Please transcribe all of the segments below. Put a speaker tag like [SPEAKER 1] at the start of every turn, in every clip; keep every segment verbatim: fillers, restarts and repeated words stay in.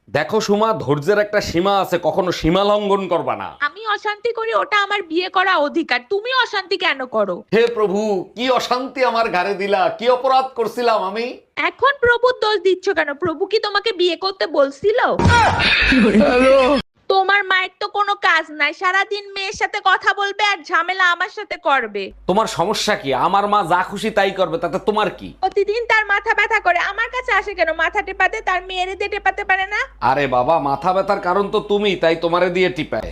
[SPEAKER 1] দেখো সুমা, ধৈর্যের একটা সীমা আছে, কখনো সীমা লঙ্ঘন করবা না।
[SPEAKER 2] আমি অশান্তি করি ওটা আমার বিয়ে করা অধিকার, তুমি অশান্তি কেন করো?
[SPEAKER 1] হে প্রভু, কি অশান্তি আমার ঘাড়ে দিলা, কি অপরাধ করছিলাম আমি?
[SPEAKER 2] এখন প্রভুর দোষ দিচ্ছ কেন? প্রভু কি তোমাকে বিয়ে করতে বলছিল? তোমার মায়ের তো কোনো কাজ নাই, সারাদিন মেয়ের সাথে কথা বলবে আর ঝামেলা আমার সাথে করবে।
[SPEAKER 1] তোমার সমস্যা কি? আমার মা যা খুশি তাই করবে, তাতে তোমার কি?
[SPEAKER 2] প্রতিদিন তার মাথা ব্যথা করে, আমার কাছে আসে কেন মাথা টেপাতে? তার মেয়েরে দিয়ে টেপাতে পারে না?
[SPEAKER 1] আরে বাবা, মাথা ব্যথার কারণ তো তুমি, তাই তোমারে দিয়ে টিপায়।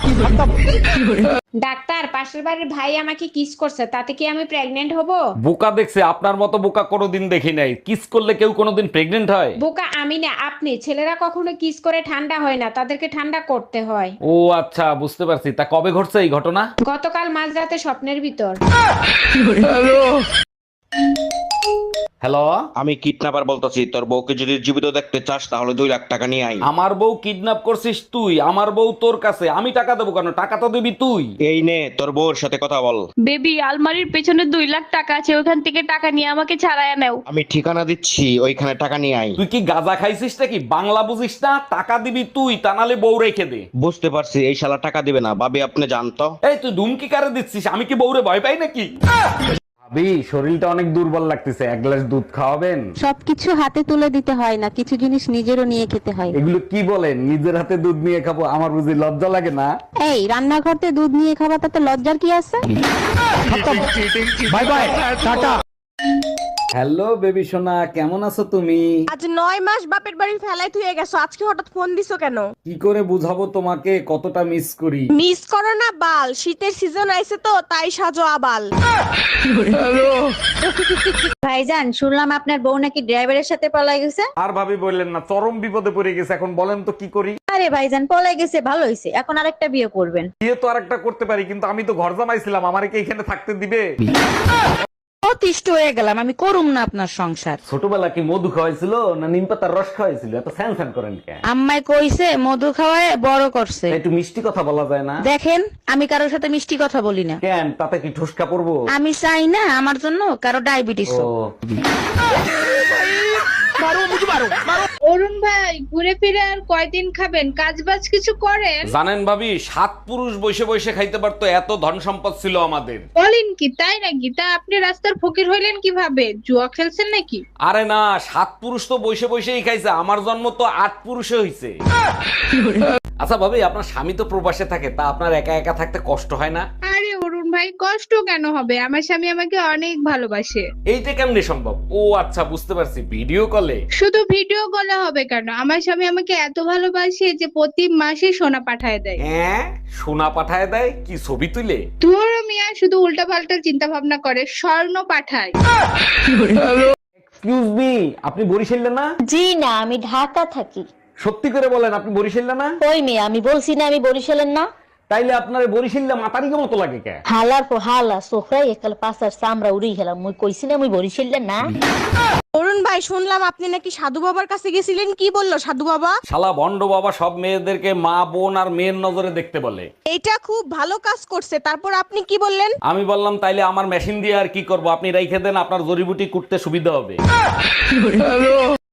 [SPEAKER 3] ডাক্তার, পাশের বাড়ির ভাই আমাকে কিস করছে, তাতে কি আমি প্রেগনেন্ট হব?
[SPEAKER 1] বোকা দেখছে, আপনার মতো বোকা কোনোদিন দেখি নাই। কিস করলে কেউ কোনোদিন প্রেগনেন্ট হয়?
[SPEAKER 3] বোকা আমি না, আপনি। ছেলেরা কখনো কিস করে ঠান্ডা হয় না, তাদেরকে ঠান্ডা করতে হয়।
[SPEAKER 1] ও আচ্ছা, বুঝতে পারছি। তা কবে ঘটছে এই ঘটনা?
[SPEAKER 3] গতকাল মাঝরাতে স্বপ্নের ভিতর।
[SPEAKER 1] হ্যালো,
[SPEAKER 4] আমি কিডন্যাপার বলতেছি, তোর বউকে যদি জীবিত দেখতে চাস তাহলে দুই লাখ টাকা নিয়ে আই।
[SPEAKER 1] আমার বউ কিডন্যাপ করছিস তুই? আমার বউ তোর কাছে, আমি টাকা দেবো কেন? টাকা তো দিবি তুই।
[SPEAKER 4] এই নে তোর বউর সাথে কথা বল।
[SPEAKER 5] বেবি, আলমারির পেছনে দুই লাখ টাকা আছে, ওখান থেকে টাকা নিয়ে আমাকে ছাড়াইয়া নাও।
[SPEAKER 4] আমি ঠিকানা দিচ্ছি, ওইখানে টাকা নিয়ে আই।
[SPEAKER 1] তুই কি গাঁজা খাইছিস নাকি? বাংলা বুঝিস না? টাকা দিবি তুই, তা নালে বউ রেখে দে।
[SPEAKER 4] বুঝতে পারছি, এই শালা টাকা দিবে না। ভাবি আপনি জানতো।
[SPEAKER 1] এই তুই ধুমকি কারে দিচ্ছিস? আমি কি বউরে ভয় পাই নাকি? ভাবি, শরীরটা অনেক দুর্বল লাগতেছে, এক গ্লাস দুধ খাওয়াবেন?
[SPEAKER 6] সবকিছু হাতে তুলে দিতে হয় না, কিছু জিনিস নিজেরও নিয়ে খেতে হয়।
[SPEAKER 1] এগুলো কি বলেন? নিজের হাতে দুধ নিয়ে খাবো? আমার বুঝি লজ্জা লাগে না?
[SPEAKER 6] এই রান্নাঘরতে দুধ নিয়ে খাওয়া, তাতে লজ্জার কি আছে?
[SPEAKER 1] Bye bye, tata. Hello baby সোনা, কেমন আছো তুমি?
[SPEAKER 2] আজ নয় মাস বাপের বাড়ি ফেলাই থুয়ে গেছো, আজকে হঠাৎ ফোন দিছো কেন?
[SPEAKER 1] কি করে বুঝাবো তোমাকে কতটা মিস করি?
[SPEAKER 2] মিস করো না বাল, শীতের সিজন আইছে তো তাই সাজো আবাল।
[SPEAKER 7] ভাইজান, শুনলাম আপনার বউ নাকি ড্রাইভারের সাথে পলাই গেছে।
[SPEAKER 1] আর ভাবি বললেন না, চরম বিপদে পড়ে গেছে। এখন বলেন তো কি করি?
[SPEAKER 7] আরে ভাইজান, পলাই গেছে ভালো হয়েছে, এখন আরেকটা বিয়ে করবেন।
[SPEAKER 1] বিয়ে তো আরেকটা করতে পারি, কিন্তু আমি তো ঘর জামাইছিলাম, আমারে কি এখানে থাকতে দিবে?
[SPEAKER 6] অতিষ্ঠ হয়ে গেলাম, আমি করুম না আপনার সংসার।
[SPEAKER 1] ছোটবেলা কি মধু খাওয়াইছিল না নিম পাতার রস খাওয়াইছিল? এত স্যান স্যান করেন কেন?
[SPEAKER 6] আম্মাই কইছে মধু খাওয়ায় বড় করছে।
[SPEAKER 1] একটু মিষ্টি কথা বলা যায় না?
[SPEAKER 6] দেখেন, আমি কারোর সাথে মিষ্টি কথা বলি না।
[SPEAKER 1] কেন, তাতে কি ঠুসকা পড়বো?
[SPEAKER 6] আমি চাই না আমার জন্য কারো ডায়াবেটিস
[SPEAKER 1] ও,
[SPEAKER 5] অরুণ ভাই, ঘুরে ফিরে আর কয়দিন খাবেন? কাজ বাজ কিছু করেন?
[SPEAKER 1] জানেন ভাবি, সাত পুরুষ বসে বসে খাইতে পারতো, এত ধন সম্পদ ছিল আমাদের।
[SPEAKER 5] বলেন কি, তাই নাকি? তা আপনি রাস্তার ফকির হইলেন কিভাবে? জুয়া খেলছেন নাকি?
[SPEAKER 1] আরে না, সাত পুরুষ তো বসে বসেই খাইছে, আমার জন্ম তো আট পুরুষে হইছে। আচ্ছা ভাবি, আপনার স্বামী তো প্রবাসে থাকে, তা আপনার একা একা থাকতে কষ্ট হয় না?
[SPEAKER 5] আরে অরুণ ভাই, কষ্ট কেন হবে? আমার স্বামী আমাকে অনেক ভালোবাসে।
[SPEAKER 1] এইটা কেমনে সম্ভব? ও আচ্ছা, বুঝতে পারছি, ভিডিও কলে।
[SPEAKER 5] শুধু ভিডিও কলে হবে কেন? আমার স্বামী আমাকে এত ভালোবাসে যে প্রতি মাসে সোনা পাঠায় দেয়।
[SPEAKER 1] হ্যাঁ, সোনা পাঠায় দেয়? কি ছবি তুলে?
[SPEAKER 5] তোর মিয়া শুধু উল্টা পাল্টা চিন্তা ভাবনা করে, স্বর্ণ পাঠায়।
[SPEAKER 1] এক্সকিউজ মি, আপনি বরিশালে না?
[SPEAKER 7] জি না, আমি ঢাকা থাকি।
[SPEAKER 1] সত্যি করে বলেন, আপনি বরিশালে না?
[SPEAKER 7] কই মেয়ে, আমি বলছি না আমি বরিশালের না।
[SPEAKER 1] তাইলে আপনার বরিশালে মাতারিকে মতো লাগে কে?
[SPEAKER 7] হালার পর হালা সোফরাই একাল পাশার চামড়া উড়ি গেলাম, মুই কইছি না মুই বরিশালের না।
[SPEAKER 2] অরুণ ভাই, শুনলাম আপনি নাকি সাধু বাবার কাছে গেছিলেন, কি বললো সাধু বাবা?
[SPEAKER 1] শালা ভন্ড বাবা সব মেয়েদেরকে মা বোন আর মেয়ের নজরে দেখতে বলে।
[SPEAKER 2] এটা খুব ভালো কাজ করছে, তারপর আপনি কি বললেন?
[SPEAKER 1] আমি বললাম, তাইলে আমার মেশিন দিয়ে আর কি করব, আপনি রাইখে দেন, আপনার জড়িবুটি কুটতে সুবিধা হবে।